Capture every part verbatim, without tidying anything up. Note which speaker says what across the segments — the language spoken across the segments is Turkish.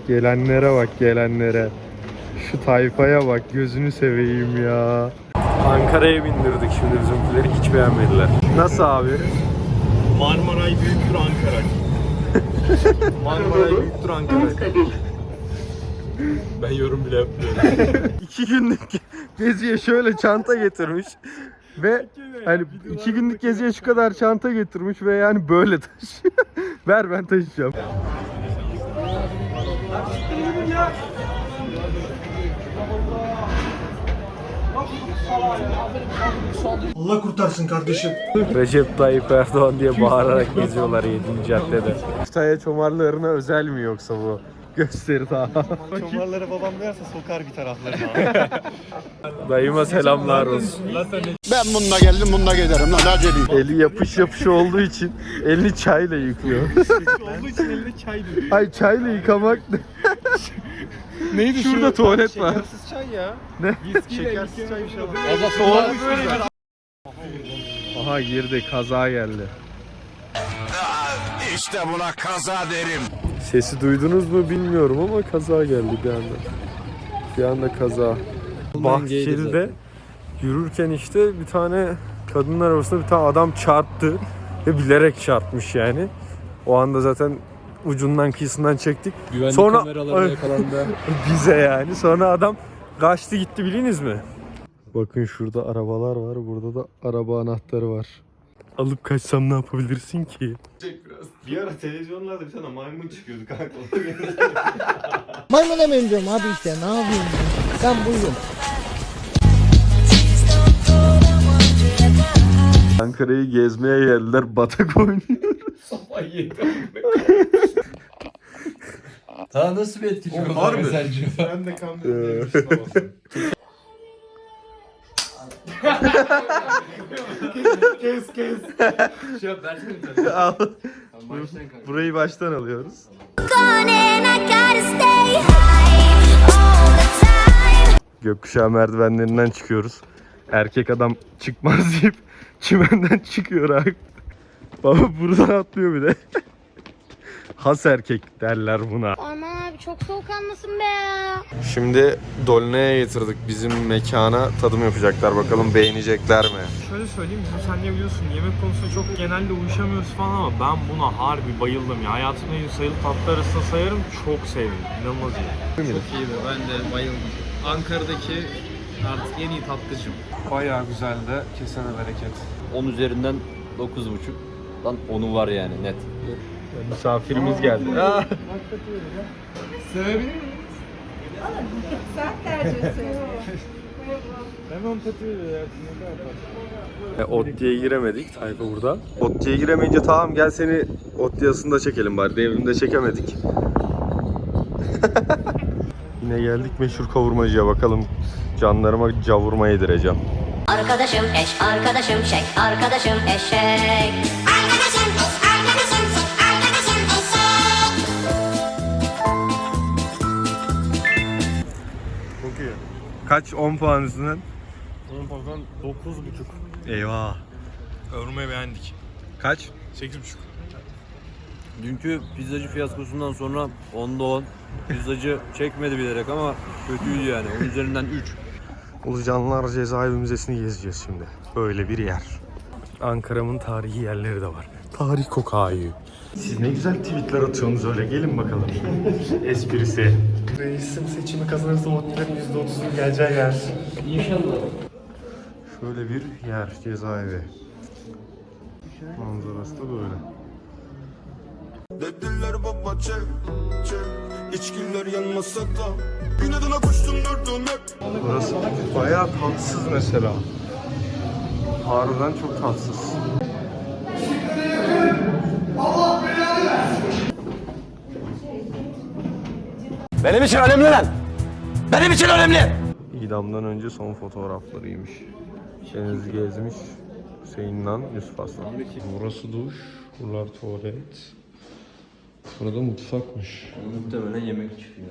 Speaker 1: Gelenlere bak, gelenlere. Şu tayfaya bak, gözünü seveyim ya. Ankara'ya bindirdik şimdi bizimkileri, hiç beğenmediler. Nasıl abi?
Speaker 2: Marmaray büyüktür Ankara. Marmaray büyüktür Ankara. Ben yorum bile yapmıyorum.
Speaker 1: İki günlük geziye şöyle çanta getirmiş. Ve hani iki günlük geziye şu kadar çanta getirmiş ve yani böyle taşıyor. Ver, ben taşıyacağım.
Speaker 2: Allah kurtarsın kardeşim.
Speaker 1: Recep Tayyip Erdoğan diye bağırarak geziyorlar yedinci caddede. Kütahya çomarlarına özel mi yoksa bu gösteri daha?
Speaker 2: Çomarları babam duyarsa sokar bir taraflarına.
Speaker 1: Dayıma selamlar olsun.
Speaker 3: Ben bununla geldim, bununla giderim lan, aceleyim.
Speaker 1: Eli yapış yapış olduğu için elini çayla yıkıyor.
Speaker 2: Olduğu için eline çay dönüyor.
Speaker 1: Ay, çayla yıkamak ne?
Speaker 2: Neydi
Speaker 1: Şurada
Speaker 2: şu?
Speaker 1: tuvalet var.
Speaker 2: Şekersiz çay ya.
Speaker 1: Ne?
Speaker 2: Şekersiz çay bir şey var.
Speaker 1: Tuvalet böyle bir... Aha, girdi, kaza geldi.
Speaker 3: İşte buna kaza derim.
Speaker 1: Sesi duydunuz mu bilmiyorum ama kaza geldi bir anda. Bir anda kaza. Bahçeli'de yürürken işte bir tane kadınlar arasında bir tane adam çarptı ve bilerek çarpmış yani. O anda zaten ucundan kıyısından çektik.
Speaker 4: Güvenlik
Speaker 1: Sonra
Speaker 4: kameralarına yakalandı.
Speaker 1: bize yani. Sonra adam kaçtı gitti, biliniz mi? Bakın şurada arabalar var. Burada da araba anahtarı var. Alıp kaçsam ne yapabilirsin ki?
Speaker 2: Bir ara televizyonlarda bir tane maymun çıkıyordu kanka.
Speaker 5: Maymuna benziyorum abi işte, ne yapayım ben? Ben buyum.
Speaker 1: Ankara'yı gezmeye geldiler. Batak oynuyor.
Speaker 4: Daha nasıl bir etki çok
Speaker 2: Var mı?
Speaker 4: sence?
Speaker 2: Ben de kandırdım. kes kes.
Speaker 4: Şey yap, versene.
Speaker 1: Al.
Speaker 4: Baştan kanka.
Speaker 1: Burayı baştan alıyoruz. Gökkuşağı merdivenlerinden çıkıyoruz. Erkek adam çıkmaz deyip çimenden çıkıyor abi. Baba buradan atlıyor bir de. Has erkek derler buna.
Speaker 6: Aman abi, çok soğukkanlısın be ya.
Speaker 1: Şimdi Dolne'ye getirdik bizim mekana, tadım yapacaklar, bakalım beğenecekler mi?
Speaker 2: Şöyle söyleyeyim, bizim sen ne biliyorsun, yemek konusunda çok genelde uyuşamıyoruz falan ama ben buna harbi bayıldım ya. Hayatımda en sayılı tatlı arasında sayarım, çok sevdim. İnanılmaz iyi.
Speaker 4: Çok iyiydi, ben de bayıldım. Ankara'daki artık en iyi tatlıcım.
Speaker 2: Bayağı güzeldi, kesene bereket.
Speaker 7: on üzerinden dokuz buçuk. Lan onu var yani net.
Speaker 1: Misafirimiz geldi.
Speaker 2: Sevebilir miyiz?
Speaker 8: Sen tercih ediyorsun.
Speaker 2: Hemen patıyor ya.
Speaker 1: E, Otti'ye giremedik, Tayfa burada. Otti'ye giremeyince tamam gel seni Otti'yasında çekelim bari, devrimde çekemedik. Yine geldik meşhur kavurmacıya, bakalım canlarıma cavurma yedireceğim.
Speaker 9: Arkadaşım eş, arkadaşım şek, arkadaşım eşek. Arkadaşım eş, arkadaşım şek, arkadaşım eşek.
Speaker 1: Çok iyi. Kaç? on puan üstünden?
Speaker 2: Onun bakan dokuz buçuk.
Speaker 1: Eyvah.
Speaker 2: Kavurmayı beğendik.
Speaker 1: Kaç?
Speaker 2: sekiz buçuk.
Speaker 7: Dünkü pizzacı fiyaskosundan sonra onda on. Pizzacı çekmedi bilerek ama kötüydü yani. on üzerinden üç.
Speaker 1: Ulucanlar Cezaevi Müzesi'ni gezeceğiz şimdi. Böyle bir yer. Ankara'mın tarihi yerleri de var. Tarih kokağı. Siz ne güzel tweetler atıyorsunuz öyle. Gelin bakalım. Esprisi.
Speaker 2: Reisim seçimi kazanırsa Otti'lerin yüzde otuzun geleceği yer.
Speaker 4: İnşallah.
Speaker 1: Şöyle bir yer, cezaevi. Manzarası da böyle.
Speaker 3: Dediler baba çek, çek. İçkiler yanmasa da inadına koştum durdum hep.
Speaker 1: Burası bayağı tatsız mesela. Harbiden çok tatsız.
Speaker 3: Benim için önemli lan. Benim için önemli.
Speaker 1: İdamdan önce son fotoğraflarıymış. Deniz gezmiş. Hüseyin'le Yusuf Aslan. Burası duş, buralar tuvalet. Burada mutfakmış.
Speaker 7: Muhtemelen yemek çıkıyor.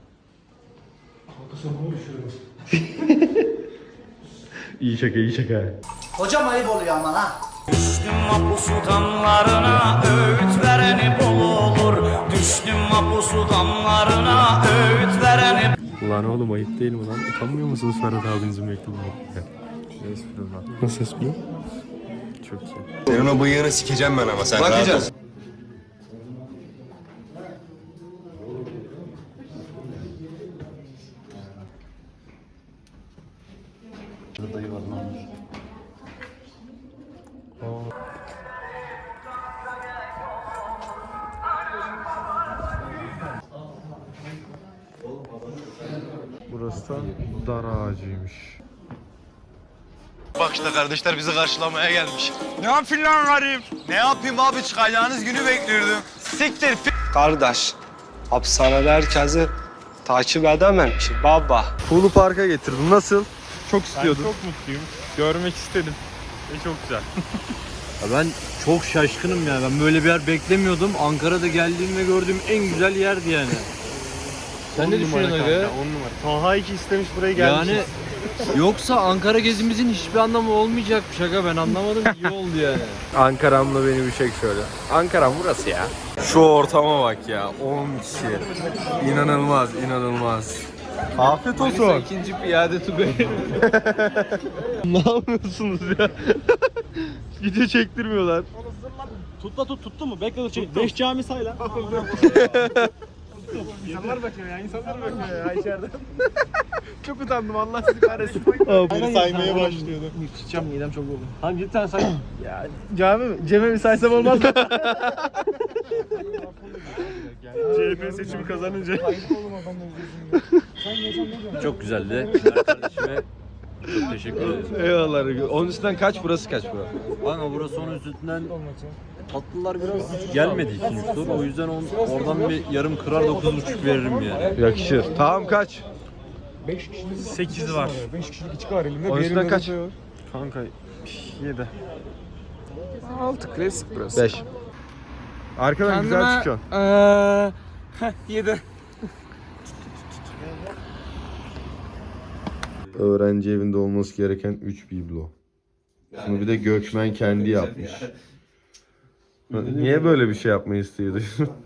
Speaker 1: İyi şaka, iyi şaka.
Speaker 5: Hocam ayıp oluyor ama ha.
Speaker 9: Düştüm mahpus damlarına, öğüt vereni bol olur.
Speaker 5: Düştüm mapusu damlarına öğüt veren.
Speaker 1: Ulan oğlum ayıp değil mi lan? Utanmıyor musunuz Ferhat abinizin mektubunu? Ne espri lan? Nasıl espri? Çok iyi.
Speaker 3: Senin o bıyığını sikeceğim ben ama sen bakacağız.
Speaker 7: Dayı var lan.
Speaker 1: Burası da dar ağacıymış.
Speaker 3: Bak işte kardeşler bizi karşılamaya gelmiş. Ne yapayım lan garip? Ne yapayım abi, çıkacağınız günü bekliyordum. Siktir
Speaker 10: Kardeş, hapishanede herkesi takip edemem ki baba.
Speaker 1: Pulu Park'a getirdim. Nasıl? Çok
Speaker 2: Ben
Speaker 1: istiyordum.
Speaker 2: çok mutluyum. Görmek istedim. Ve çok güzel.
Speaker 7: Ya ben çok şaşkınım ya. Ben böyle bir yer beklemiyordum. Ankara'da geldiğim ve gördüğüm en güzel yerdi yani. Sen ne düşünüyorsun aga?
Speaker 2: on numara. Taha iki istemiş buraya gelmiş.
Speaker 7: Yani yoksa Ankara gezimizin hiçbir anlamı olmayacakmış aga, ben anlamadım, iyi oldu yani.
Speaker 1: Ankara'mla beni bir çek şöyle. Ankara burası ya. Şu ortama bak ya. on kişi. İnanılmaz, inanılmaz. Afiyet olsun.
Speaker 4: İkinci piyade Tugay.
Speaker 1: Ne yapıyorsunuz ya? Video çektirmiyorlar.
Speaker 4: Tutla tut, tuttu mu? Bekle dur çek. Beş cami say lan. İnsanlar bakıyor ya, insanlar bakıyor ya içeride. Çok utandım, Allah sizi kahretsin.
Speaker 1: Biri saymaya başlıyordu.
Speaker 4: Sıçacağım, midem çok oldu. Hangi bir tane say?
Speaker 1: Ya cami mi? Cem'e mi saysam olmaz mı?
Speaker 2: C H P seçimi kazanınca.
Speaker 7: Çok güzeldi. Her kardeşime çok teşekkür ederim.
Speaker 1: Eyvallah. Onun üstünden kaç, burası kaç bura?
Speaker 7: Ama burası onun üstünden tatlılar biraz gelmedi ikinci tur. O yüzden on, oradan bir yarım kırar dokuz buçuk veririm yani.
Speaker 1: Yakışır. Tamam kaç?
Speaker 2: sekiz var.
Speaker 1: Onun üstünden kaç?
Speaker 2: Kanka yedi.
Speaker 1: altı klasik burası. beş. Arkadan güzel çıkıyorsun.
Speaker 4: yedi.
Speaker 1: Öğrenci evinde olması gereken üç biblo. Bunu bir de Gökmen kendi yapmış. Niye böyle bir şey yapmayı istiyordu?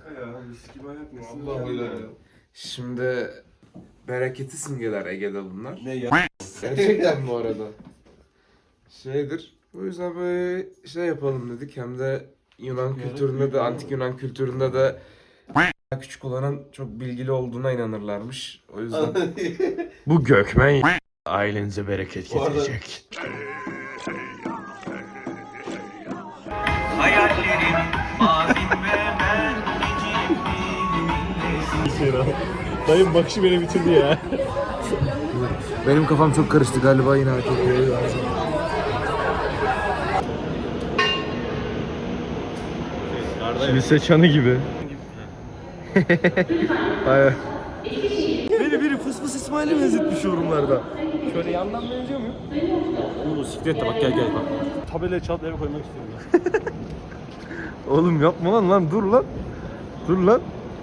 Speaker 11: Şimdi bereketi simgeler Ege'de bunlar. Ne ya? Gerçekten bu arada. Şeydir. O yüzden böyle şey yapalım dedik. Hem de Yunan kültüründe de, antik Yunan kültüründe de küçük olanın çok bilgili olduğuna inanırlarmış. O yüzden
Speaker 1: Bu Gökmen ailenize bereket getirecek.
Speaker 2: Dayım bakışı beni bitirdi ya.
Speaker 11: benim kafam çok karıştı galiba, yine hareket ediyor.
Speaker 1: Lise çanı gibi. Hayır. Beni biri fıs fıs İsmail'e benzetmiş yorumlarda.
Speaker 2: Şöyle yandan benziyor muyum? Bu siklet de bak, gel gel bak. Tabelayı çalıp eve koymak istiyorum ben.
Speaker 1: Oğlum yapma lan lan, dur lan. Dur lan.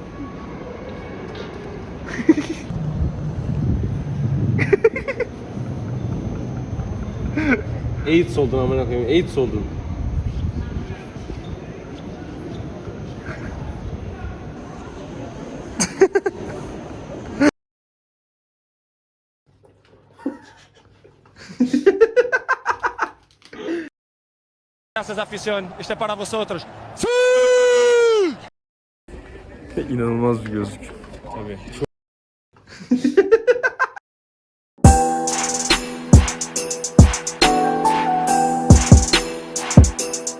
Speaker 4: AIDS oldun amına koyayım. AIDS oldun.
Speaker 1: İnanılmaz bir gözlük.
Speaker 2: Tabii.